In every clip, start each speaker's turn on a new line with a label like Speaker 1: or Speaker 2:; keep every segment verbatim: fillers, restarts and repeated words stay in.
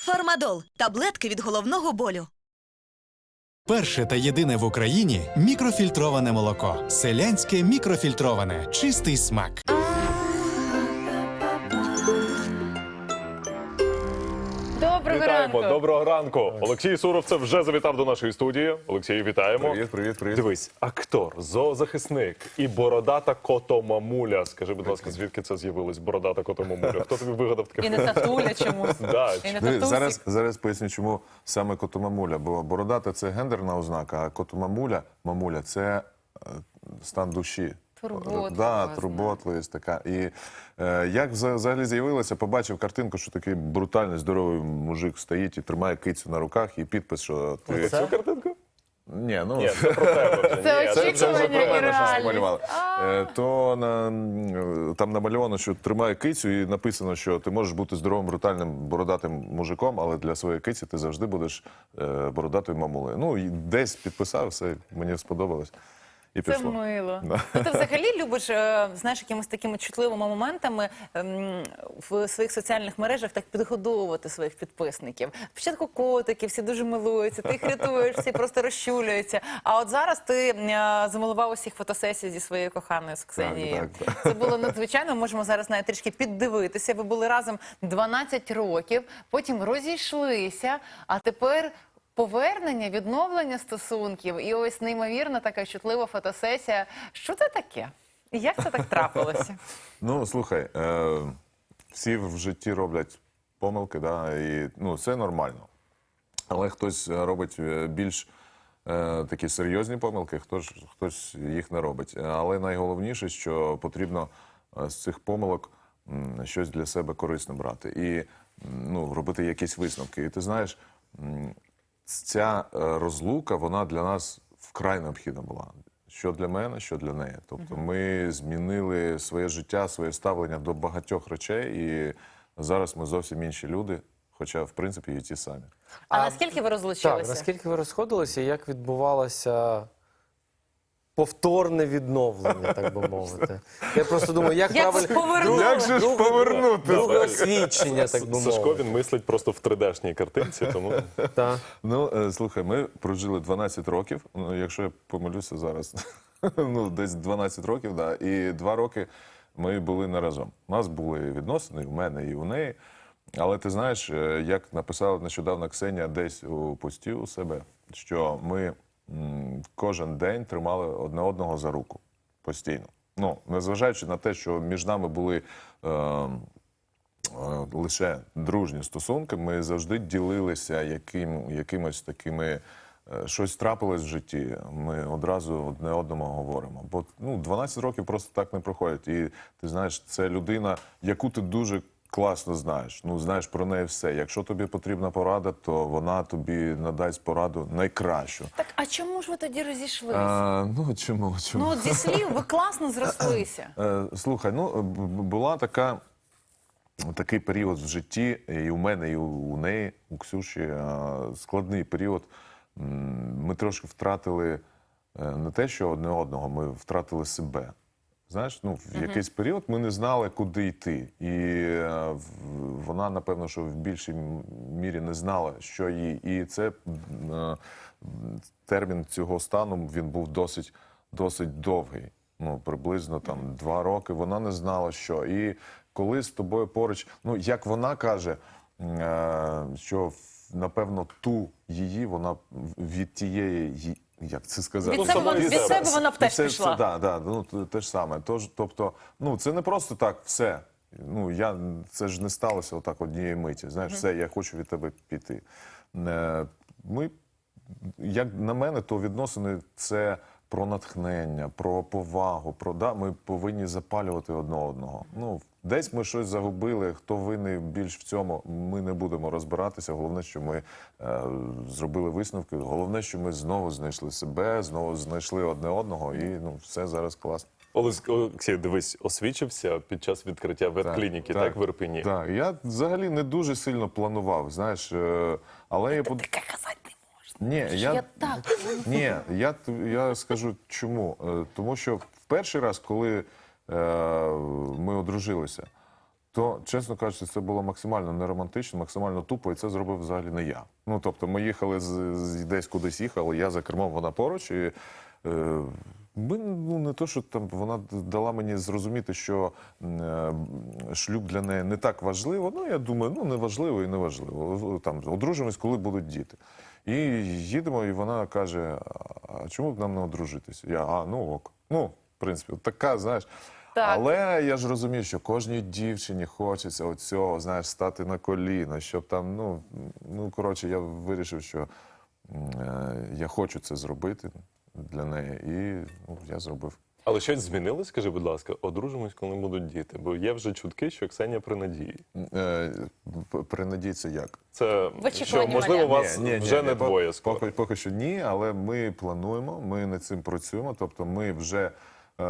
Speaker 1: Фармадол – таблетки від головного болю.
Speaker 2: Перше та єдине в Україні мікрофільтроване молоко. Селянське мікрофільтроване. Чистий смак.
Speaker 3: Доброго
Speaker 4: Вітаємо,
Speaker 3: ранку.
Speaker 4: доброго ранку. Олексій Суровцев вже завітав до нашої студії. Олексій, вітаємо.
Speaker 5: Привіт, привіт, привіт.
Speaker 4: Дивись, актор, зоозахисник і бородата котомамуля. Скажи, будь ласка, звідки це з'явилось, бородата котомамуля? Хто тобі вигадав таке?
Speaker 3: І не татуля чомусь.
Speaker 4: Да,
Speaker 3: І не
Speaker 5: Диви,
Speaker 3: татусик.
Speaker 5: Зараз, зараз поясню, чому саме котомамуля. Бо бородата – це гендерна ознака, а котомамуля, мамуля – це е, стан душі.
Speaker 3: Турботлива,
Speaker 5: Да,
Speaker 3: знаю.
Speaker 5: турботливість така. І е, як вза- взагалі з'явилося, побачив картинку, що такий брутальний, здоровий мужик стоїть і тримає кицю на руках, і підпис, що ти...
Speaker 4: Цю картинку?
Speaker 5: Ні, ну...
Speaker 4: Ні, це про тебе вже.
Speaker 3: Це
Speaker 4: Ні,
Speaker 5: Це вже, вже
Speaker 3: очікування
Speaker 5: про
Speaker 3: і
Speaker 5: мене щось
Speaker 3: реальність.
Speaker 5: намалювали. Е, То на, м, там намальовано, що тримає кицю, і написано, що ти можеш бути здоровим, брутальним, бородатим мужиком, але для своєї киці ти завжди будеш е, бородатою мамулею. Ну, і десь підписав, все, мені сподобалось. І
Speaker 3: Це
Speaker 5: пішло.
Speaker 3: мило.
Speaker 5: Да.
Speaker 3: Ну, ти взагалі любиш, е, знаєш, якимись такими чутливими моментами ем, в своїх соціальних мережах так підгодовувати своїх підписників. Спочатку котики, всі дуже милуються, ти їх рятуєш, всі просто розчуляються. А от зараз ти е, замилував усіх фотосесій зі своєю коханою з Ксенією.
Speaker 5: Так, так,
Speaker 3: Це було надзвичайно, можемо зараз навіть трішки піддивитися. Ви були разом дванадцять років, потім розійшлися, а тепер... Повернення, відновлення стосунків і ось неймовірна така чутлива фотосесія. Що це таке? І як це так трапилося?
Speaker 5: Ну, слухай, е, всі в житті роблять помилки, да, і ну, це нормально. Але хтось робить е, більш е, такі серйозні помилки, хтось, хтось їх не робить. Але найголовніше, що потрібно е, з цих помилок м, щось для себе корисне брати і м, ну, робити якісь висновки. І ти знаєш, м, ця е, розлука, вона для нас вкрай необхідна була. Що для мене, що для неї. Тобто ми змінили своє життя, своє ставлення до багатьох речей, і зараз ми зовсім інші люди, хоча, в принципі, і ті самі.
Speaker 3: А, наскільки ви
Speaker 6: Так,
Speaker 3: розлучилися?
Speaker 6: наскільки ви розходилися, як відбувалося повторне відновлення, так би мовити? Я просто думаю, як,
Speaker 3: Як
Speaker 6: правильно...
Speaker 3: повернути?
Speaker 5: Як же ж
Speaker 6: друге-
Speaker 5: повернути?
Speaker 6: Друге освідчення, так би
Speaker 4: Сашко,
Speaker 6: мовити.
Speaker 4: він мислить просто в три дешній картинці, тому...
Speaker 6: Так.
Speaker 5: Ну, е, слухай, ми прожили дванадцять років, ну, якщо я помилюся зараз, ну, десь дванадцять років, да, і два роки ми були не разом. У нас були відносини, і у мене, і у неї. Але ти знаєш, е, як написала нещодавно Ксенія десь у пості у себе, що ми м, кожен день тримали одне одного за руку постійно. Ну, незважаючи на те, що між нами були е, е, лише дружні стосунки, ми завжди ділилися яким, якимось такими, е, щось трапилось в житті, ми одразу одне одному говоримо. Бо ну, дванадцять років просто так не проходять. І ти знаєш, це людина, яку ти дуже класно знаєш. Ну, знаєш про неї все. Якщо тобі потрібна порада, то вона тобі надасть пораду найкращу.
Speaker 3: Так, а чому ж ви тоді розійшлися?
Speaker 5: А, ну, чому? чому?
Speaker 3: Ну, от зі слів ви класно зрослися.
Speaker 5: Е, Слухай, ну, б- б- була така, такий період в житті, і у мене, і у у неї, у Ксюші, е, складний період. М, Ми трошки втратили е, не те, що одне одного, ми втратили себе. Знаєш, ну, в якийсь період ми не знали, куди йти. І е, в- вона, напевно, що в більшій м- мірі не знала, що їй. І це е, термін цього стану, він був досить, досить довгий. Ну, приблизно там два роки. Вона не знала, що. І коли з тобою поруч, ну, як вона каже, е, що, напевно, ту її, вона від тієї, ї- як це сказати?
Speaker 3: Від себе вона- від себе вона б теж
Speaker 5: Це-
Speaker 3: пішла.
Speaker 5: це- да, да, ну, те- те ж саме. Тож, тобто, ну, це не просто так, все. Ну, я, це ж не сталося отак однієї миті. Знаєш, все, я хочу від тебе піти. Е, Ми, як на мене, то відносини – це про натхнення, про повагу, про, да, ми повинні запалювати одне одного. Ну, десь ми щось загубили, хто винний більш в цьому, ми не будемо розбиратися. Головне, що ми е, зробили висновки. Головне, що ми знову знайшли себе, знову знайшли одне одного, і ну, все зараз класно.
Speaker 4: Олесь- Олексій, дивись, освічився під час відкриття ветклініки, так, в Ірпені?
Speaker 5: Так, я взагалі не дуже сильно планував, знаєш, е, але я... под-
Speaker 3: Таке казати не можна.
Speaker 5: Ні,
Speaker 3: Я,
Speaker 5: я...
Speaker 3: так.
Speaker 5: Ні, я, т- я скажу чому. Е, Тому що в перший раз, коли е, ми одружилися, то, чесно кажучи, це було максимально неромантично, максимально тупо, і це зробив взагалі не я. Ну, тобто, ми їхали з, з десь кудись їхали, я за кермом, вона поруч, і е, ми, ну, не то, що там вона дала мені зрозуміти, що е, шлюб для неї не так важливо. Ну, я думаю, ну, не важливо і не важливо. Там, одружимось, коли будуть діти. І їдемо, і вона каже, а чому б нам не одружитися? Я, а, ну ок. Ну, в принципі, от така, знаєш.
Speaker 3: Так.
Speaker 5: Але я ж розумію, що кожній дівчині хочеться оцього, знаєш, стати на коліна, щоб там, ну, ну коротше, я вирішив, що е, я хочу це зробити для неї, і ну, я зробив.
Speaker 4: Але щось змінилось, скажи, будь ласка, одружимось, коли будуть діти. Бо є вже чутки, що Ксенія при надії.
Speaker 5: Е, п- при надії це як?
Speaker 4: Це
Speaker 3: В очікуванні
Speaker 4: що, можливо,
Speaker 3: маля.
Speaker 4: вас
Speaker 5: Ні, ні,
Speaker 4: вже
Speaker 5: ні,
Speaker 4: не
Speaker 5: по-
Speaker 4: двоє скоро.
Speaker 5: Поки, поки що ні, але ми плануємо, ми над цим працюємо. Тобто ми вже, е,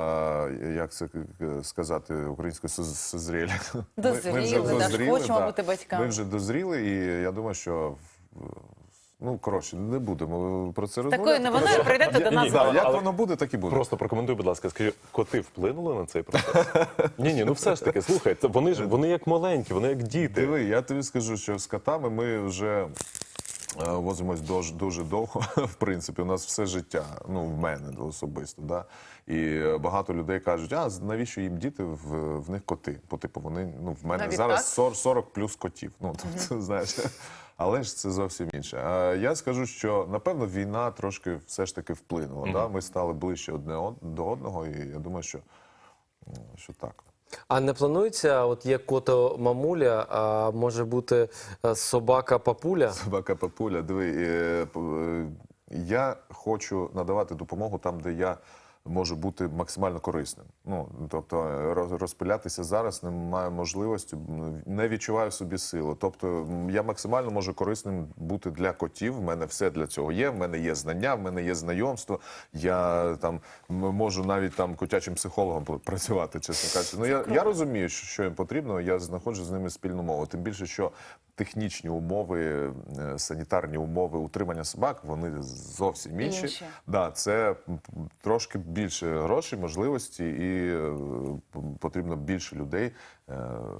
Speaker 5: як це сказати українською, соз- созріли. Ми- ми
Speaker 3: Дозріли,
Speaker 5: вже
Speaker 3: да,
Speaker 5: дозріли,
Speaker 3: хочемо
Speaker 5: да.
Speaker 3: бути батьками.
Speaker 5: Ми вже дозріли, і я думаю, що в- ну, коротше, не будемо про це розмовляти.
Speaker 3: Такою новиною прийдете до нас.
Speaker 4: ні,
Speaker 5: Да,
Speaker 3: додому.
Speaker 5: як
Speaker 4: Але-
Speaker 5: воно буде, так і буде.
Speaker 4: Просто прокоментуй, будь ласка, скажи, коти вплинули на цей процес? Ні, ні, ну все ж таки, слухай, це вони ж вони як маленькі, вони як діти.
Speaker 5: Диви, я тобі скажу, що з котами ми вже е, возимось дуже, дуже довго. В принципі, у нас все життя, ну, в мене особисто. Да? І е, багато людей кажуть, а навіщо їм діти, в, в них коти? Бо, типу, вони, ну, в мене
Speaker 3: Навіть
Speaker 5: зараз
Speaker 3: так?
Speaker 5: сорок, сорок плюс котів. Ну, тобто, знаєш, але ж це зовсім інше. А я скажу, що, напевно, війна трошки все ж таки вплинула. Да? Ми стали ближче одне од- до одного, і я думаю, що, м, що так.
Speaker 6: А не планується, от є кото мамуля, а може бути е, собака папуля?
Speaker 5: Собака Папуля, диви, е, п- е, я хочу надавати допомогу там, де я можу бути максимально корисним. Ну, тобто роз- розпилятися зараз немає можливості, м, не відчуваю в собі силу. Тобто м, я максимально можу корисним бути для котів, в мене все для цього є, в мене є знання, в мене є знайомство, я там м, можу навіть там котячим психологом пр- працювати, чесно кажучи. Ну, я, я розумію, що, що їм потрібно, я знаходжу з ними спільну мову. Тим більше, що технічні умови, е, санітарні умови утримання собак, вони зовсім інші.
Speaker 3: Інші.
Speaker 5: Да, це м, трошки більше грошей, можливості, і е, п- потрібно більше людей е,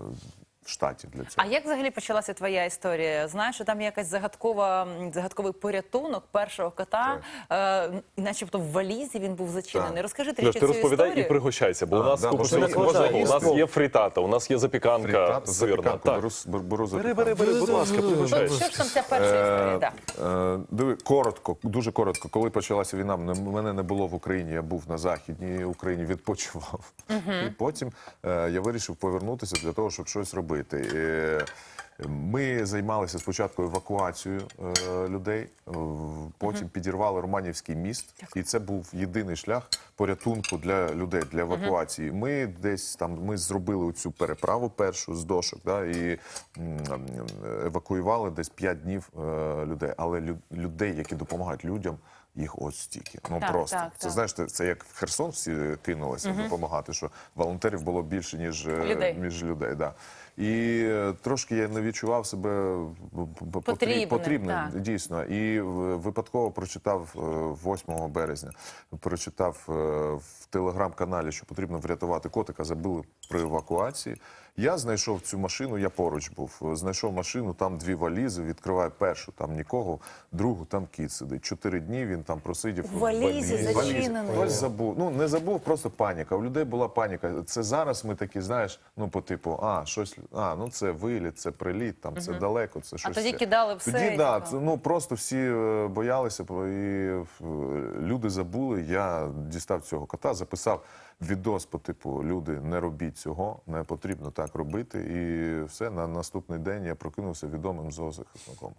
Speaker 5: в штаті для цього.
Speaker 3: А як взагалі почалася твоя історія? Знаєш, що там є якась загадкова, м, загадковий порятунок першого кота, е, начебто в валізі він був зачинений.
Speaker 5: Так.
Speaker 3: Розкажи
Speaker 4: Леш,
Speaker 3: трішки
Speaker 4: ти
Speaker 3: цю
Speaker 4: розповідай
Speaker 3: історію.
Speaker 4: і пригощайся, бо у
Speaker 5: А,
Speaker 4: нас
Speaker 5: да,
Speaker 4: купа
Speaker 5: бо
Speaker 4: всього
Speaker 5: що
Speaker 4: смачного.
Speaker 6: є?
Speaker 4: У нас є фрітата, у нас є запіканка
Speaker 5: Фрітату,
Speaker 4: сирна.
Speaker 5: запіканку,
Speaker 4: Так.
Speaker 5: беру, с- бер- беру
Speaker 4: Бери,
Speaker 5: запіканку.
Speaker 4: бери, бери, будь ласка,
Speaker 3: Що
Speaker 4: пригощайся.
Speaker 3: ж там ця перша історія? Да.
Speaker 5: Е, диви, коротко, дуже коротко. Коли почалася війна, мене- мене не було в Україні, я був на Західній Україні, відпочивав. І потім е, я вирішив повернутися для того, щоб щось робити. Е, Ми займалися спочатку евакуацією е, людей, е, потім підірвали Романівський міст, і це був єдиний шлях порятунку для людей, для евакуації. Ми десь там ми зробили цю переправу першу з дошок, да, і м, евакуювали десь п'ять днів е, людей. Але лю- людей, які допомагають людям, їх ось стільки. Ну
Speaker 3: Так,
Speaker 5: просто
Speaker 3: так,
Speaker 5: це
Speaker 3: так.
Speaker 5: знаєш, це, це як в Херсон всі кинулися допомагати, що волонтерів було більше ніж е,
Speaker 3: Людей.
Speaker 5: ніж людей. Да. І е, трошки я не відчував себе п- п- потріб-
Speaker 3: Потрібним,
Speaker 5: потрібним,
Speaker 3: так.
Speaker 5: дійсно. І е, випадково прочитав е, восьмого березня, прочитав е, в телеграм-каналі, що потрібно врятувати котика, забили при евакуації. Я знайшов цю машину, я поруч був. Знайшов машину, там дві валізи, відкриваю першу, там нікого, другу, там кіт сидить. Чотири дні він там просидів.
Speaker 3: В валізі
Speaker 5: В валізі.
Speaker 3: зачинений.
Speaker 5: Хтось забув. Ну, не забув, просто паніка. У людей була паніка. Це зараз ми такі, знаєш, ну, по типу, а, щось, а, ну, це виліт, це приліт, там, це далеко, це щось.
Speaker 3: тоді
Speaker 5: це.
Speaker 3: кидали все,
Speaker 5: Тоді,
Speaker 3: і
Speaker 5: да,
Speaker 3: типу.
Speaker 5: це, ну, просто всі е, боялися, і е, люди забули. Я дістав цього кота, записав відос по типу, люди, не робіть цього, не потрібно так робити. І все, на наступний день я прокинувся відомим зоозахисником.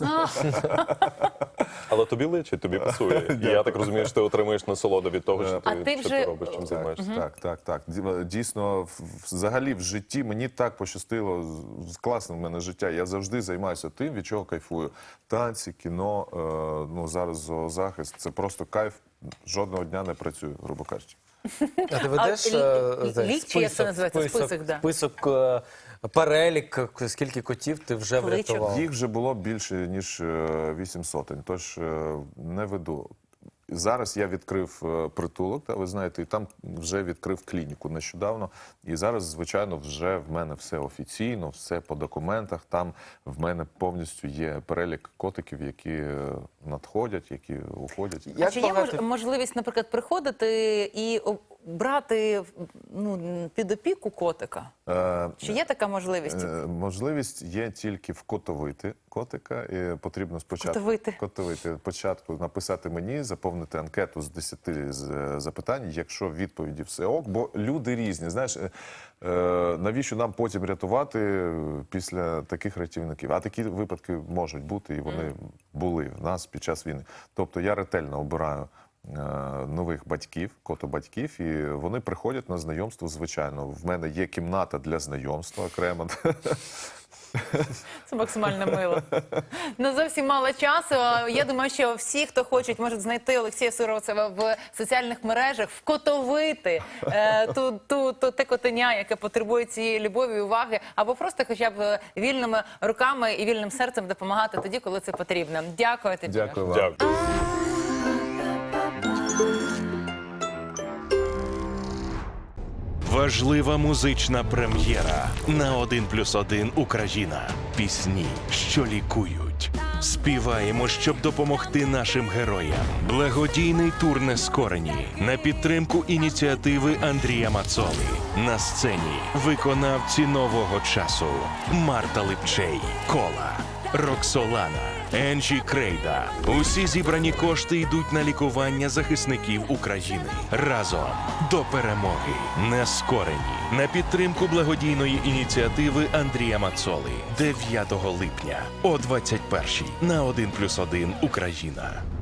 Speaker 4: Але тобі личить, тобі пасує. І я так розумію, що ти отримуєш насолоду від того, що ти,
Speaker 3: А ти
Speaker 4: що
Speaker 3: вже-
Speaker 4: ти робиш, чим займаєшся.
Speaker 5: Так, так, так. Ді- Дійсно, в- в- взагалі в житті мені так пощастило. з- з- Класне в мене життя. Я завжди займаюся тим, від чого кайфую. Танці, кіно, е, ну зараз зоозахист. Це просто кайф. Жодного дня не працюю, грубо кажучи.
Speaker 6: А ти ведеш
Speaker 3: А,
Speaker 6: е,
Speaker 3: лі-
Speaker 6: цей
Speaker 3: лік, чи як це називається? Список, да.
Speaker 6: список, е, перелік, скільки котів ти вже
Speaker 3: Кличок.
Speaker 6: врятував?
Speaker 5: Їх вже було більше, ніж е, вісім сотень, тож е, не веду. зараз я відкрив е, притулок, та, ви знаєте, і там вже відкрив клініку нещодавно. І зараз, звичайно, вже в мене все офіційно, все по документах. Там в мене повністю є перелік котиків, які е, надходять, які уходять.
Speaker 3: А
Speaker 6: Як
Speaker 3: чи є
Speaker 6: багато-
Speaker 3: мож- можливість, наприклад, приходити і о, брати ну, під опіку котика?
Speaker 5: Е,
Speaker 3: Чи є така можливість?
Speaker 5: Е, Можливість є тільки вкотовити котика. І потрібно спочатку
Speaker 3: Котовити.
Speaker 5: котовити. Спочатку написати мені, заповнити анкету з десяти з- запитань, якщо відповіді все ок, бо люди різні. Знаєш, е, е, навіщо нам потім рятувати е, після таких рятівників? А такі випадки можуть бути, і вони були в нас під час війни. Тобто я ретельно обираю е, нових батьків, котобатьків, і вони приходять на знайомство, звичайно. В мене є кімната для знайомства окремо.
Speaker 3: Це максимально мило. Ну, зовсім мало часу. Я думаю, що всі, хто хочуть, можуть знайти Олексія Суровцева в соціальних мережах, вкотовити е, ту, ту, ту, те котеня, яке потребує цієї любові і уваги, або просто хоча б вільними руками і вільним серцем допомагати тоді, коли це потрібно. Дякую тобі.
Speaker 5: Дякую вам.
Speaker 4: Дякую.
Speaker 7: Важлива музична прем'єра на один плюс один Україна. Пісні, що лікують. Співаємо, щоб допомогти нашим героям. Благодійний тур «Нескорені» на підтримку ініціативи Андрія Мацоли. На сцені виконавці нового часу. Марта Липчей, Кола, Роксолана, Енджі Крейда. Усі зібрані кошти йдуть на лікування захисників України. Разом до перемоги. Нескорені. На підтримку благодійної ініціативи Андрія Мацоли. дев'ятого липня о двадцять першій на один плюс один Україна.